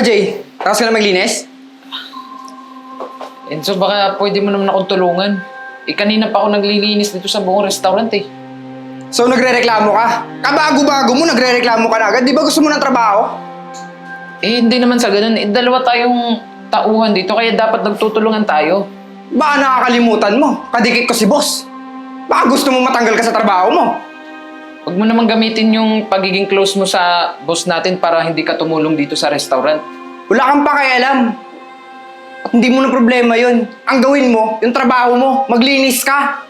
Jay? Tapos ka na maglinis? Enzo, baka pwede mo naman akong tulungan. Kanina pa ako naglilinis dito sa buong restaurant eh. So nagre-reklamo ka? Kabago-bago mo, nagre-reklamo ka na agad. Di ba gusto mo ng trabaho? Hindi naman sa ganun. Dalawa tayong tauhan dito, kaya dapat nagtutulungan tayo. Baka nakakalimutan mo. Kadikit ko si boss. Baka gusto mo matanggal ka sa trabaho mo. Huwag mo naman gamitin yung pagiging close mo sa boss natin para hindi ka tumulong dito sa restaurant. Wala kang pakialam. At hindi mo na problema yun. Ang gawin mo, yung trabaho mo, maglinis ka.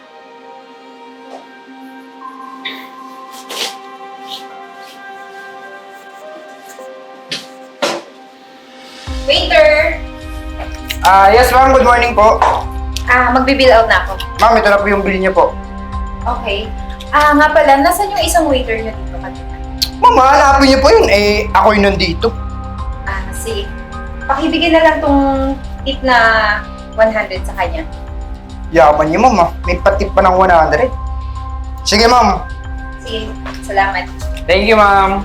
Waiter! Yes ma'am, good morning po. Magbibill out na ako. Ma'am, ito na po yung bill niyo po. Okay. Nga pala, nasan yung isang waiter nyo dito kanina? Ma'am, hanapin niyo po yun. Ako yun nandito. Sige. Pakibigyan na lang tong tip na 100 sa kanya. Yaman niyo ma'am May patip pa ng 100. Sige ma'am. Sige, salamat. Thank you ma'am.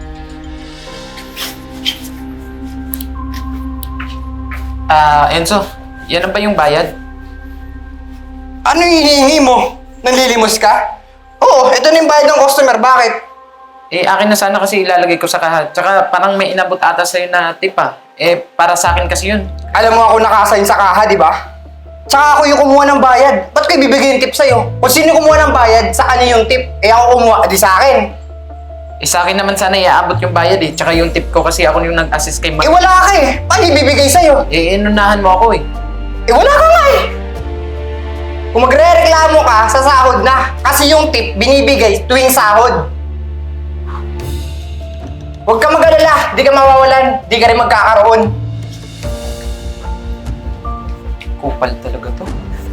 Enzo, yan na ba yung bayad? Ano yung hinihingi mo? Nanlilimos ka? Oo, ito na yung bayad ng customer. Bakit? Akin na sana kasi ilalagay ko sa kaha. Tsaka parang may inabot ata sa'yo na tip ah. Para sa akin kasi yun. Alam mo ako nakasign sa kaha, di ba? Tsaka ako yung kumuha ng bayad. Ba't ko ibibigay yung tip sa'yo? Kung sino yung kumuha ng bayad, sa kanya yung tip. Ako kumuha, di sa akin. Sa akin naman sana iaabot yung bayad eh. Tsaka yung tip ko kasi ako yung nag-assist kay Mark. Wala ka eh. Paano ibibigay sa'yo? Inunahan mo ako eh. Wala ka nga eh. Kung magre-reklamo ka, sa sahod na. Kasi yung tip, binibigay tuwing sahod. Huwag ka mag-alala. Di ka mawawalan. Di ka rin magkakaroon. Kupal talaga to.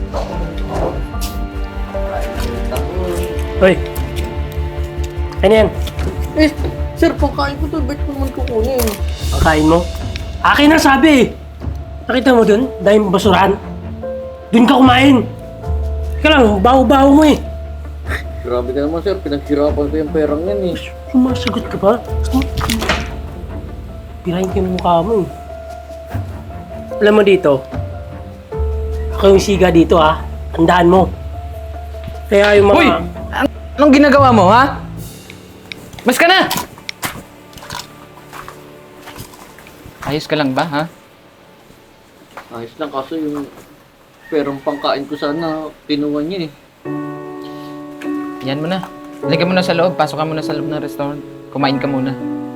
Hoy! Ano yan? Sir, pagkain ko to, ba't ko naman kukunin? Ang kain mo? Akin na sabi! Nakita mo dun? Dahil basurahan? Dun ka kumain! Ika lang, baho-baho mo eh! Grabe ka naman, sir. Pinaghirapan ko yung perang yan eh. Sumasagot ka pa? Pirahin ka yung mukha mo eh. Alam mo dito, ako yung siga dito ha. Tandaan mo. Kaya yung mga... Uy! Anong ginagawa mo ha? Mas ka na! Ayos ka lang ba ha? Ayos lang, kaso yung perang pangkain ko sana, kinuha niya eh. Yan mo na. Halika muna sa loob. Pasok ka muna sa loob ng restaurant. Kumain ka muna.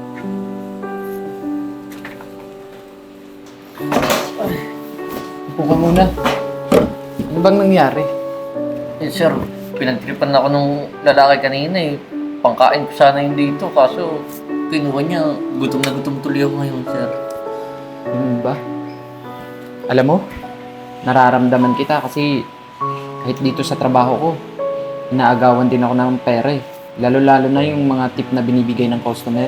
Upo ka muna. Ano bang nangyari? Sir, pinagtripan ako nung lalaki kanina eh. Pangkain ko sana yung dito, kaso kinuha niya. Gutom na gutom tuloy ako ngayon, sir. Ganun ba? Alam mo, nararamdaman kita kasi kahit dito sa trabaho ko, inaagawan din ako ng pera eh. Lalo-lalo na yung mga tip na binibigay ng customer.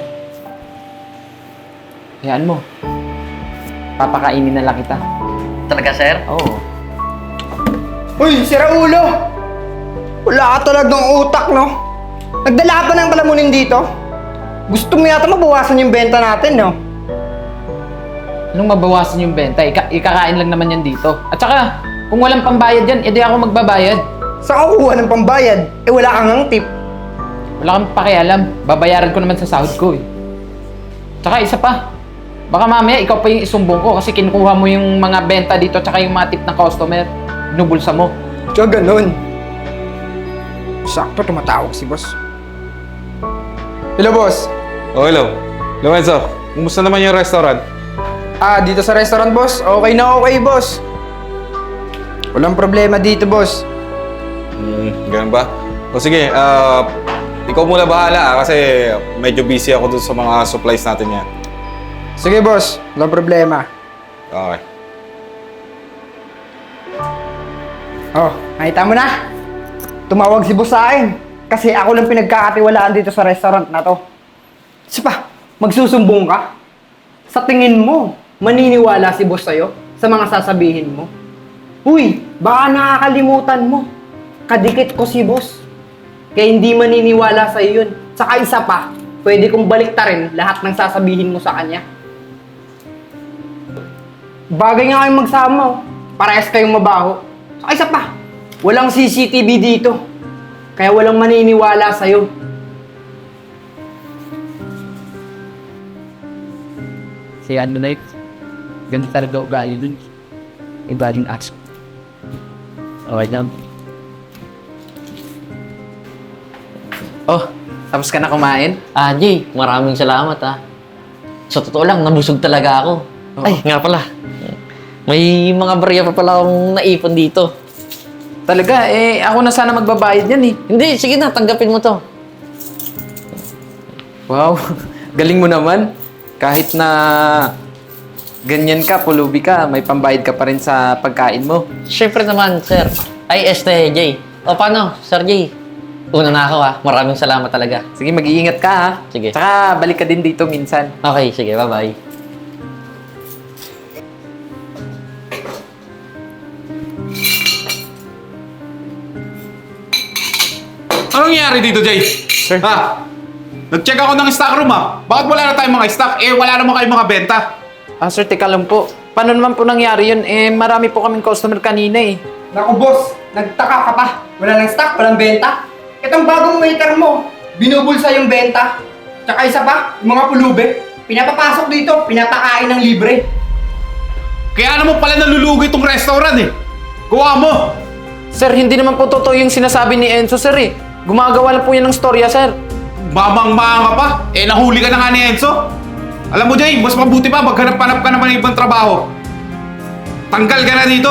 Hayaan mo. Papakainin na lang kita. Talaga, sir? Oo. Uy, sira ulo! Wala ka talagang utak, no? Nagdala pa ng palamunin dito. Gusto mo yata mabawasan yung benta natin, no? Anong mabawasan yung benta? Ikakain lang naman yan dito. At saka, kung walang pambayad yan, edi ako magbabayad. Saan ka kukuha ng pambayad? Wala kang ang tip. Wala kang pakialam. Babayaran ko naman sa sahod ko eh. Tsaka isa pa. Baka mamaya ikaw pa yung isumbong ko kasi kinukuha mo yung mga benta dito tsaka yung mga tip ng customer. Binubulsa mo. Tsaka ganun. Sakto tumatawag si boss. Hello, boss. Oh, hello. Lorenzo, kumusta naman yung restaurant? Dito sa restaurant, boss. Okay na okay, boss. Walang problema dito, boss. Ganun ba? O sige, ikaw muna bahala kasi medyo busy ako dun sa mga supplies natin yan. Sige, boss. Walang problema. Okay. Oh, nakita mo na? Tumawag si boss sa akin. Kasi ako lang pinagkakatiwalaan dito sa restaurant na to. Kasi pa, magsusumbong ka? Sa tingin mo, maniniwala si boss sa'yo sa mga sasabihin mo? Uy, baka nakakalimutan mo. Kadikit ko si boss. Kaya hindi maniniwala sa'yo yun. Saka isa pa, pwede kong baliktarin lahat ng sasabihin mo sa kanya. Bagay nga kayong magsama, oh. Parehas kayong mabaho. Saka isa pa, walang CCTV dito. Kaya walang maniniwala sa'yo. Si ano na yun, ganito talaga ugali dun. Iba yung ask. Okay lang. Oh, tapos ka na kumain? Jay, maraming salamat Sa totoo lang, nabusog talaga ako. Oo. Ay, nga pala. May mga barya pa pala akong naipon dito. Talaga, ako na sana magbabayad yan eh. Hindi, sige na, tanggapin mo to. Wow, galing mo naman. Kahit na ganyan ka, pulubi ka, may pambayad ka pa rin sa pagkain mo. Siyempre naman, sir. Ay, Jay. O paano, Sir Jay? Una na ako Maraming salamat talaga. Sige, mag-iingat ka ha. Sige. Tsaka balik ka din dito minsan. Okay, sige, bye-bye. Anong nangyari dito, Jay? Sir. Ha? Nag-check ako ng stock room Bakit wala na tayong mga stock? Wala naman kayong mga benta. Sir, teka lang po. Paano naman po nangyari yun? Marami po kaming customer kanina eh. Naku boss, nagtaka ka pa. Wala nang stock, walang benta. Itong bagong waiter mo, binubulsa yung benta. Tsaka isa pa, yung mga pulubi, pinapapasok dito, pinapakain ng libre. Kaya naman pala nalulugi itong restaurant Gawa mo! Sir, hindi naman po totoo yung sinasabi ni Enzo, sir eh. Gumagawa lang po yan ng storya, sir. Mamang-manga pa. Nahuli ka na nga ni Enzo. Alam mo, Jay, mas mabuti pa maghanap-hanap ka naman ng ibang trabaho. Tanggal ka na dito.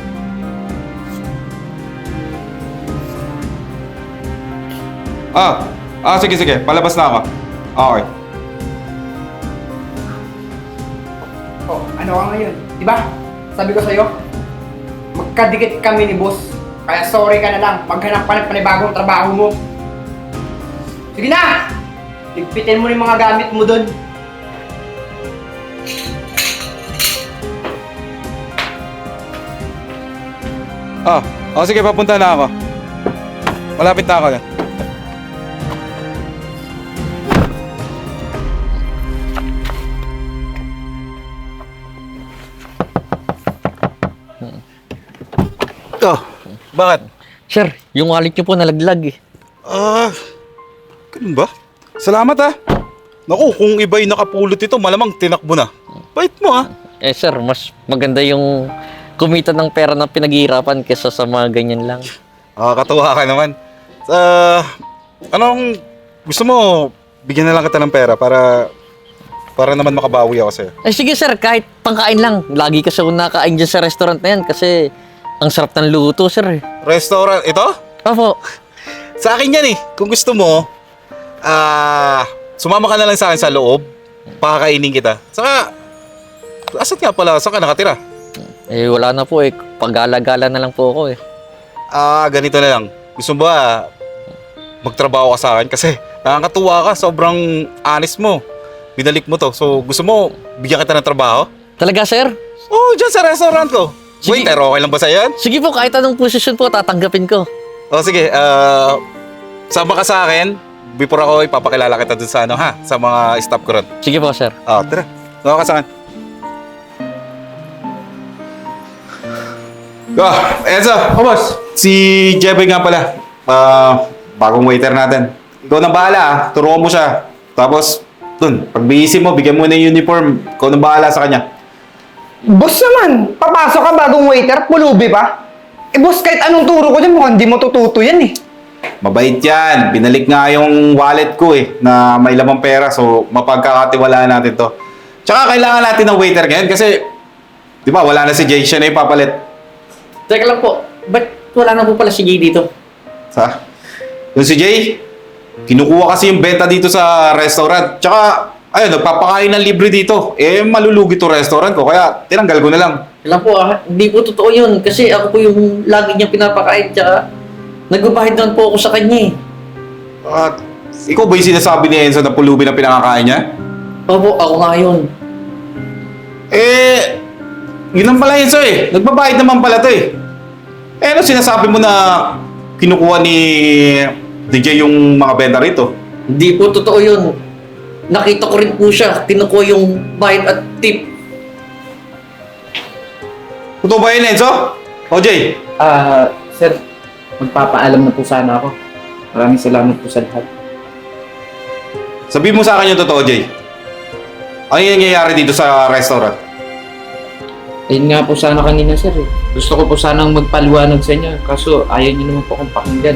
Sige. Palabas na ako. Okay. Oh, ano ka ngayon? Diba? Sabi ko sa'yo, magkadikit kami ni boss. Kaya sorry ka na lang, maghanap ka ng panibagong trabaho mo. Sige na! Ligpitin mo yung mga gamit mo dun. Sige, papunta na ako. Malapit na ako na. Bakit? Sir, yung wallet niyo po nalaglag Ganun ba? Salamat Naku, kung iba yung nakapulot ito, malamang tinakbo na. Bait mo Sir, mas maganda yung kumita ng pera na pinaghihirapan kesa sa mga ganyan lang. Katuwa ka naman. Anong gusto mo, bigyan na lang kita ng pera para naman makabawi ako sa'yo. Sige sir, kahit pangkain lang. Lagi kasi ako nakain dyan sa restaurant na yan kasi ang sarap ng luto sir. Restaurant, ito? Opo. Sa akin yan Kung gusto mo, sumama ka na lang sa akin sa loob. Pakakainin kita. Saka, asan nga pala? Saan ka nakatira? Wala na po Pag-gala-gala na lang po ako Ganito na lang. Gusto mo ba magtrabaho ka sa akin? Kasi nakakatuwa ka. Sobrang honest mo. Binalik mo to. So, gusto mo bigyan kita ng trabaho? Talaga sir? Oo, dyan sa restaurant ko. Sige. Waiter, okay lang ba sa'yo yan? Sige po, kahit anong posisyon po, tatanggapin ko. Sige. Sama ka sa akin. Before ako, ipapakilala kita dun sa sa mga staff ko ron. Sige po sir. Tara. Sama ka sa akin. Enzo! boss. Si Jeboy nga pala. Bagong waiter natin. Ikaw na bahala Turuan mo siya. Tapos, dun, pag bihisin mo, bigyan mo na yung uniform. Ikaw na bahala sa kanya. Boss naman, papasok ka bagong waiter, pulubi pa. Boss, kahit anong turo ko dyan, mukhang di mo tututo yan Mabait yan. Binalik nga yung wallet ko na may lamang pera. So, mapagkakatiwalaan natin to. Tsaka kailangan natin ng waiter ngayon kasi, di ba, wala na si Jay. Siya na yung papalit. Teka lang po, ba't wala na po pala si Jay dito? Yung si Jay, kinukuha kasi yung benta dito sa restaurant. Tsaka, ayun, nagpapakain ng libre dito. Malulugi to restaurant ko. Kaya, tinanggal ko na lang. Alam po hindi po totoo yun kasi ako po yung lagi niya pinapakain tsaka nagbabahid naman po ako sa kanya At, ikaw ba yung sinasabi ni Enzo na pulubi na pinakakain niya? Opo, ako nga yun. Yun ang pala Enzo Nagbabayad naman pala to ano sinasabi mo na kinukuha ni DJ yung mga benta rito? Hindi po totoo yun. Nakita ko rin po siya, kinukuha yung bayad at tip. Totoo ba yun, Enzo? O, Jay? Sir, magpapaalam na po sana ako. Maraming salamat po sa lahat. Sabihin mo sa akin yung totoo, Jay. Ano yung nangyayari dito sa restaurant? Ayun nga po sana kanina, sir. Gusto ko po sanang magpaliwanag sa inyo. Kaso ayaw niyo naman po akong pakinggan.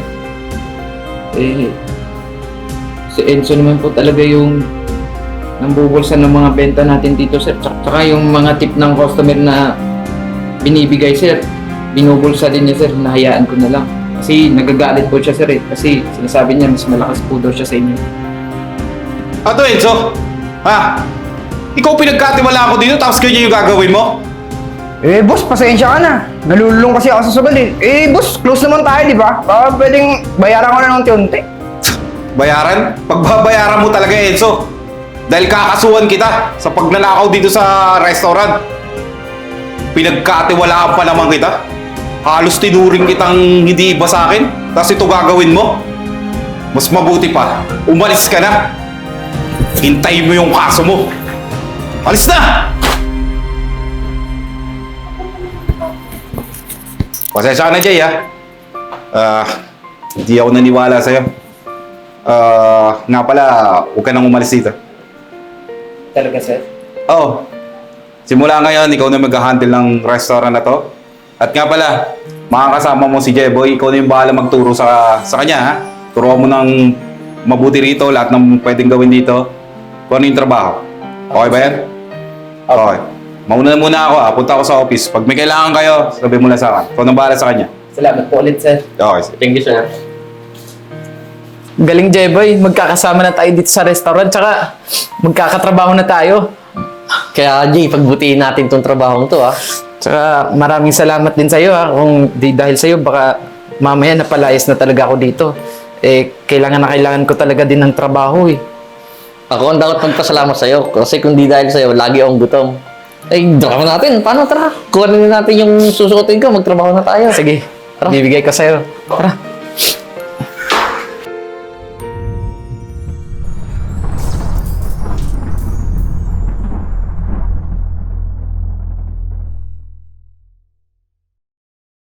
Si Enzo naman po talaga yung nambubulsa ng mga benta natin dito, sir. Tsaka yung mga tip ng customer na binibigay, sir. Binubulsa din niya, sir. Nahayaan ko na lang. Kasi nagagalit po siya, sir. Kasi sinasabi niya, mas malakas po daw siya sa inyo. Ato, Enzo? Ha? Ikaw pinagkatiwala ako dito tapos ganyan yung gagawin mo? Boss, pasensya ka na. Nalululong kasi ako sa sugal eh. Boss, close naman tayo, di ba? Baka pwedeng bayaran ko na ng unti-unti. Bayaran? Pagbabayaran mo talaga, Enzo. Dahil kakasuhan kita sa pagnanakaw dito sa restaurant. Pinagkatiwalaan pa naman kita. Halos tinuring kitang hindi iba sa akin. Tapos ito gagawin mo? Mas mabuti pa, umalis ka na. Hintayin mo yung kaso mo. Alis na! Pasensya ka na, Jay, ha? Hindi ako naniwala sa'yo. Nga pala, huwag ka nang umalis dito. Talaga, sir? Oo. Simula ngayon, ikaw na mag-handle ng restaurant na to. At nga pala, makakasama mo si Jeboy, ikaw na yung bahala magturo sa kanya, ha? Turuan mo ng mabuti rito, lahat ng pwedeng gawin dito. Kung ano yung trabaho. Okay ba yan? Okay. Mauna na muna ako, ha? Punta ako sa office. Pag may kailangan kayo, sabi mo lang sa akin. Ikaw na bahala sa kanya. Salamat po ulit, sir. Okay. Thank you, sir. Galing, Jeboy. Magkakasama na tayo dito sa restaurant. Tsaka, magkakatrabaho na tayo. Kaya, Jay, pagbutihin natin tong trabahong to, ha? Tsaka, maraming salamat din sa'yo, ha. Kung di dahil sa'yo, baka mamaya napalayas na talaga ako dito. Kailangan ko talaga din ng trabaho, eh. Ako ang dapat magpasalamat sa'yo. Kasi kung di dahil sa'yo, lagi akong gutom. Drama natin. Paano? Tara. Kuha na natin yung susuotin ko. Magtrabaho na tayo. Sige, bibigay ko sa'yo. Tara.